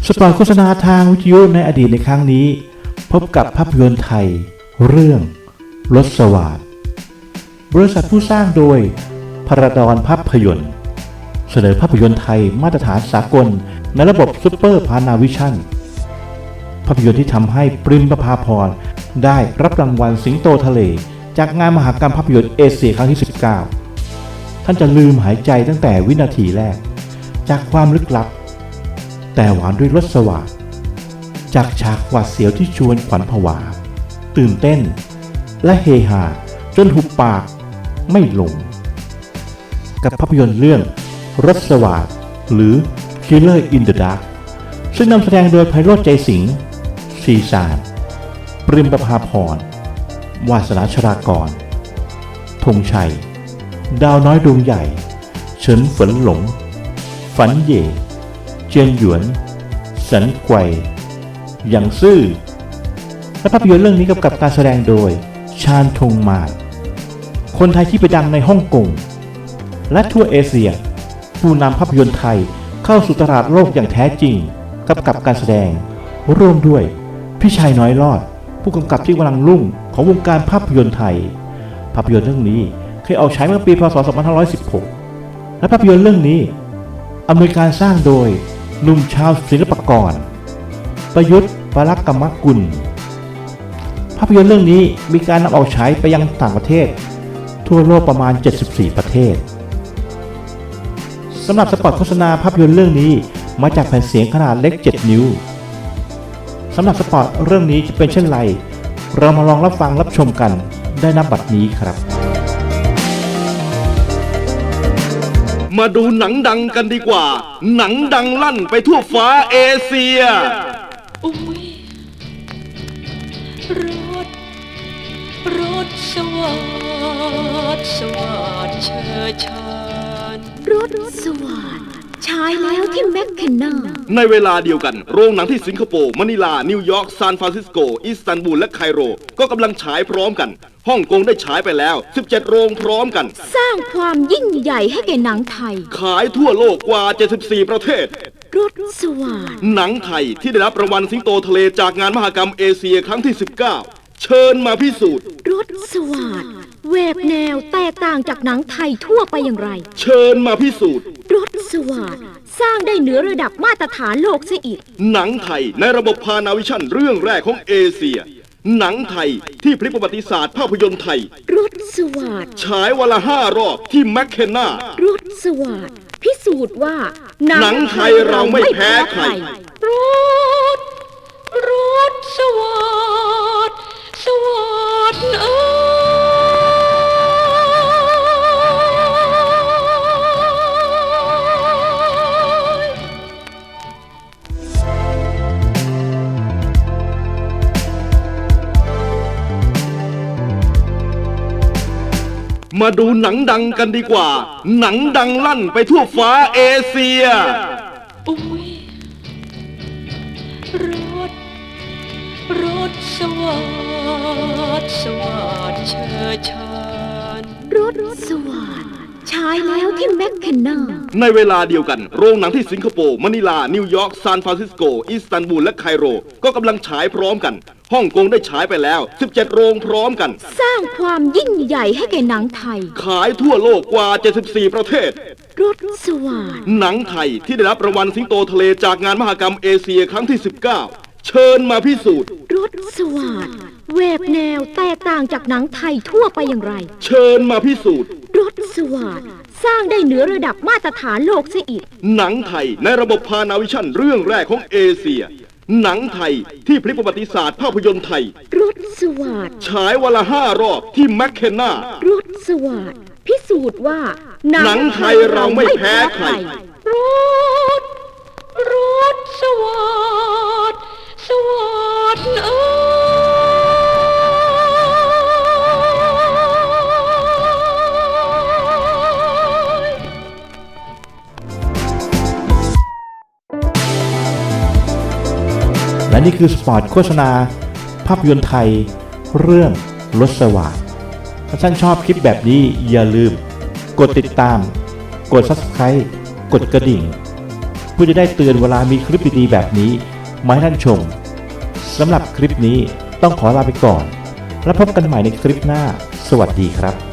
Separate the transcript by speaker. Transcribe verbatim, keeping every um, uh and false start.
Speaker 1: สปอตโฆษณาทางวิทยุในอดีตในครั้งนี้พบกับภาพยนตร์ไทยเรื่องรถสวัสดิ์บริษัทผู้สร้างโดยพระดอนภาพยนตร์เสนอภาพยนตร์ไทยมาตรฐานสากลในระบบซุปเปอร์พานาวิชั่นภาพยนตร์ที่ทำให้ปริมประภาพรได้รับรางวัลสิงโตทะเลจากงานมหกรรมภาพยนตร์เอเชียครั้งที่สิบเก้าท่านจะลืมหายใจตั้งแต่วินาทีแรกจากความลึกลับแต่หวานด้วยรสสวัสดิ์จากฉากหวาดเสียวที่ชวนขวัญผวาตื่นเต้นและเฮฮาจนหุบปากไม่ลงกับภาพยนตร์เรื่องรสสวัสดิ์หรือ Killer in the Dark ซึ่งนำแสดงโดยไพโรจน์ใจสิงห์ซีซานปริมประภาพรวาสนาชรากรธงชัยดาวน้อยดวงใหญ่เฉินฝนหลงฝันเย่เจียนหยวนสันไกวหยางซื่อและภาพยนตร์เรื่องนี้กำกับการแสดงโดยชาญธงมาศคนไทยที่ไปดังในฮ่องกงและทั่วเอเชียผู้นำภาพยนตร์ไทยเข้าสู่ตลาดโลกอย่างแท้จริงกำกับการแสดงร่วมด้วยพี่ชัยน้อยรอดผู้กำกับที่กำลังรุ่งของวงการภาพยนตร์ไทยภาพยนตร์เรื่องนี้เคยออกฉายเมื่อปีพ.ศ. สองพันห้าร้อยสิบหกและภาพยนตร์เรื่องนี้อำนวยการสร้างโดยหนุ่มชาวศิลปากรประยุทธ์ปรักกมกุลภาพยนตร์เรื่องนี้มีการนำออกฉายไปยังต่างประเทศทั่วโลกประมาณเจ็ดสิบสี่ประเทศสำหรับสปอตโฆษณาภาพยนตร์เรื่องนี้มาจากแผ่นเสียงขนาดเล็กเจ็ดนิ้วสำหรับสปอตเรื่องนี้จะเป็นเช่นไรเรามาลองรับฟังรับชมกันได้ณบัดนี้ครับ
Speaker 2: มาดูหนังดังกันดีกว่าหนังดังลั่นไปทั่วฟ้าเอเชีย
Speaker 3: อุ้ยรถรถสวัสดิ์สวัสดิ์เชิดชาน
Speaker 4: รถสวัสดิ์ฉายแล้วที่แมคเคนนา
Speaker 2: ในเวลาเดียวกันโรงหนังที่สิงคโปร์มะนิลานิวยอร์กซานฟรานซิสโกอิสตันบูลและไคโรก็กำลังฉายพร้อมกันฮ่องกงได้ฉายไปแล้วสิบเจ็ดโรงพร้อมกัน
Speaker 4: สร้างความยิ่งใหญ่ให้แก่หนังไทย
Speaker 2: ขายทั่วโลกกว่าเจ็ดสิบสี่ประเทศ
Speaker 4: รถสวัสดิ์
Speaker 2: หนังไทยที่ได้รับรางวัลสิงโตทะเลจากงานมหกรรมเอเชียครั้งที่สิบเก้าเชิญมาพิสูจน์
Speaker 4: รถสวัสดิ์แหวกแนวแตกต่างจากหนังไทยทั่วไปอย่างไร
Speaker 2: เชิญมาพิสูจน์
Speaker 4: รถสวัสดิ์สร้างได้เหนือระดับมาตรฐานโลกเสียอีก
Speaker 2: หนังไทยในระบบพานาวิชั่นเรื่องแรกของเอเชียหนังไทยที่พลิกประวัติศาสตร์ภาพยนตร์ไทย
Speaker 4: รถสวัสดิ์
Speaker 2: ฉายวันละห้ารอบที่แมคเคนนาร
Speaker 4: ถสวัสดิ์พิสูจน์ว่า
Speaker 2: หนังไทยเราไม่แพ้ใคร
Speaker 3: รถรถสวัสดิ์สวัสดิ์เอ้
Speaker 2: มาดูหนังดังกันดีกว่าหนังดังลั่นไปทั่วฟ้าเอเชีย
Speaker 3: อุ้ยรถรถสวัสดิ์สวัสดิ์เชิดชาน
Speaker 4: รถสวัสดิ์ฉายแล้วที่แมคเคนนา
Speaker 2: ในเวลาเดียวกันโรงหนังที่สิงคโปร์มะนิลานิวยอร์กซานฟรานซิสโกอิสตันบูลและไคโรก็กำลังฉายพร้อมกันฮ่องกงได้ฉายไปแล้วสิบเจ็ดโรงพร้อมกัน
Speaker 4: สร้างความยิ่งใหญ่ให้แก่หนังไทย
Speaker 2: ขายทั่วโลกกว่าเจ็ดสิบสี่ประเทศ
Speaker 4: รถสวัสดิ์
Speaker 2: หนังไทยที่ได้รับรางวัลสิงโตทะเลจากงานมหกรรมเอเชียครั้งที่สิบเก้าเชิญมาพิสูจน์
Speaker 4: รถสวัสดิ์แหวกแนวแตกต่างจากหนังไทยทั่วไปอย่างไร
Speaker 2: เชิญมาพิสูจน์
Speaker 4: รถสวัสดิ์สร้างได้เหนือระดับมาตรฐานโลกเสียอีก
Speaker 2: หนังไทยในระบบพานาวิชั่นเรื่องแรกของเอเชียหนังไทยที่พลิกประวัติศาสตร์ภาพยนตร์ไทย
Speaker 4: รถสวัสดิ์
Speaker 2: ฉายวันละห้ารอบที่แมคเคนนาร
Speaker 4: ถสวัสดิ์พิสูจน์ว่า
Speaker 2: หนังไทยเราไม่แพ้ใคร
Speaker 3: รถรถสวัสดิ์สวัสดิ์เอ้
Speaker 1: และนี่คือสปอตโฆษณาภาพยนตร์ไทยเรื่องรถสวัสดิ์ถ้าท่านชอบคลิปแบบนี้อย่าลืมกดติดตามกด ซับสไครบ์ กดกระดิ่งพื่อจะได้เตือนเวลามีคลิปดีๆแบบนี้มาให้ท่านชมสำหรับคลิปนี้ต้องขอลาไปก่อนแล้วพบกันใหม่ในคลิปหน้าสวัสดีครับ